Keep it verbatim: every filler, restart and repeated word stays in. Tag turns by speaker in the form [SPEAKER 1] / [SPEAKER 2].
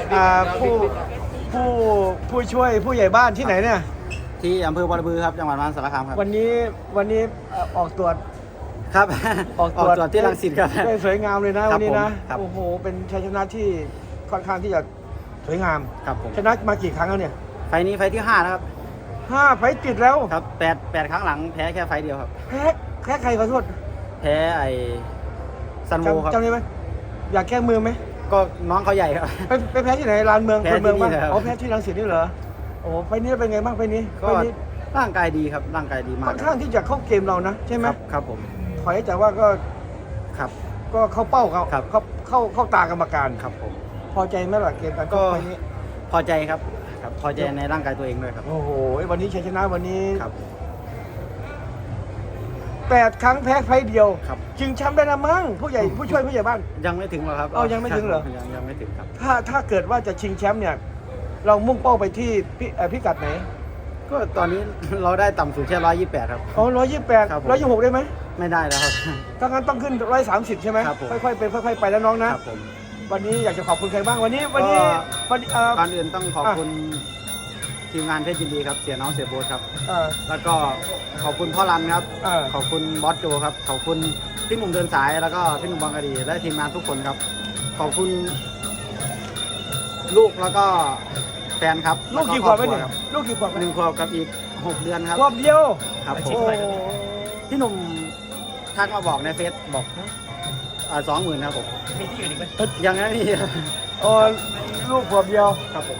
[SPEAKER 1] อ่าผู้ผู้ผู้ช่วยผู้ใหญ่บ้านที่ไหนเนี่ย
[SPEAKER 2] ที่อำเภอบอระบือครับจังหวัดมหาสารคามครับ
[SPEAKER 1] วันนี้วันนี้เอ่อออกตรวจ
[SPEAKER 2] ครับ
[SPEAKER 1] ออกตรวจ
[SPEAKER 2] ที่รังสิตครับ
[SPEAKER 1] ได้สวยงามเลยนะ
[SPEAKER 2] ครั
[SPEAKER 1] วั
[SPEAKER 2] บ
[SPEAKER 1] นนี้นะครับ
[SPEAKER 2] ผม
[SPEAKER 1] โอ้โหเป็นชัยชนะที่ค่อนข้างที่จะสวยงาม
[SPEAKER 2] ครับผม
[SPEAKER 1] ชนะมากี่ครั้งแล้วเนี่ย
[SPEAKER 2] ไฟล์นี้ไฟล์ที่ห้านะครับ
[SPEAKER 1] ห้าไฟต์ติดแล้ว
[SPEAKER 2] ครับแปดแปดครั้งหลังแพ้แค่ไฟล์เดียวครับ
[SPEAKER 1] แพ้แพ้ใครขอโทษ
[SPEAKER 2] แพ้ไอ้ซันโวครับ
[SPEAKER 1] จำจำได้ไหมอยากแก้มือไหม
[SPEAKER 2] ก็น้องเขาใหญ่ครับ
[SPEAKER 1] ไปไปแพ้ที่ไหนลานเมือง
[SPEAKER 2] แพ้
[SPEAKER 1] คนเมือง
[SPEAKER 2] ที่นี่
[SPEAKER 1] บ้าง
[SPEAKER 2] เลยครับ
[SPEAKER 1] อ๋อแพ้ที่รังสิตนี่เหรอโอ้โหไฟต์นี้เป็นไงบ้างไฟต์นี้
[SPEAKER 2] ก็
[SPEAKER 1] ไฟต์นี้
[SPEAKER 2] ร่างกายดีครับร่างกายดีมาก
[SPEAKER 1] ค่อนข้างที่จะเข้าเกมเรานะใช่ไหม
[SPEAKER 2] ครับครับผม
[SPEAKER 1] ถอยจากว่าก็
[SPEAKER 2] ครับ
[SPEAKER 1] ก็เข้าเป้าเขา
[SPEAKER 2] ครับ
[SPEAKER 1] เข้าเข้าเข้าตากรรมการ
[SPEAKER 2] ครับผม
[SPEAKER 1] พอใจไหมล่ะเกมการช
[SPEAKER 2] ก็
[SPEAKER 1] กไฟต์นี้
[SPEAKER 2] พอใจครับครับพอใจในร่างกายตัวเองด้วยครับ
[SPEAKER 1] โอ้โหวันนี้ชัยชนะวันนี้
[SPEAKER 2] ครับ
[SPEAKER 1] แปดครั้งแพ้ไฟต์เดียว
[SPEAKER 2] ครับ
[SPEAKER 1] ชิงแชมป์ได้นะมั้งผู้ใหญ่ผู้ช่วยผู้ใหญ่บ้าน
[SPEAKER 2] ยังไม่ถึงหรอกครับ
[SPEAKER 1] อ้าวยังไม่ถึงเหรอ
[SPEAKER 2] ยังยังไม่ถึงครับ
[SPEAKER 1] ถ้าถ้าเกิดว่าจะชิงแชมป์เนี่ย เรามุ่งเป้าไปที่พิเอ่อพิกัดไหน
[SPEAKER 2] ก็ตอนนี้ เราได้ต่ำสุดแค่ร้อยยี่สิบแปดครับ
[SPEAKER 1] อ๋อร้อยยี่สิบแปด
[SPEAKER 2] ครับผม
[SPEAKER 1] ร้อยยี่สิบหกได้ไหม
[SPEAKER 2] ไม่ได้แล้วครับ
[SPEAKER 1] ถ้างั้นต้องขึ้นร้อยสามสิบใช่ไหม
[SPEAKER 2] ครับผม
[SPEAKER 1] ค่อยๆเป็นค่อยๆไปแล้วน้องนะ
[SPEAKER 2] ครับผม
[SPEAKER 1] วันนี้อยากจะขอบคุณใครบ้างวันนี้วันนี้
[SPEAKER 2] ก็
[SPEAKER 1] วันนี้เอ่อ
[SPEAKER 2] ก่อนอื่นต้องขอบคุณทีมงานเพชรยินดีครับเสียน้องเสียโบ๊ทครับ
[SPEAKER 1] เอ่อ
[SPEAKER 2] แล้วก็ขอบคุณพ่อรันครับ
[SPEAKER 1] เออ
[SPEAKER 2] ขอบคุณบอสโจครับ ขอบคุณพี่หนุ่มเดินสาย แล้วก็พี่หนุ่มบางกะดี และทีมงานทุกคนครับ ขอบคุณลูกแล้วก็แฟนครับ
[SPEAKER 1] ลูกกี่ขวบไปเนี่ยลูกกี่ขวบไป
[SPEAKER 2] หนึ่งขวบกับอีกหกเดือนครับ
[SPEAKER 1] ขวบเดียว
[SPEAKER 2] ครับผ
[SPEAKER 1] โอ้
[SPEAKER 2] มพี่หนุ่มทักมาบอกในเฟซบอกสองหมื่นครับผม
[SPEAKER 1] มีที่อื่นอีกไหม
[SPEAKER 2] ยังไม่มี
[SPEAKER 1] โอ้ลูกขวบเดียว
[SPEAKER 2] ครับผม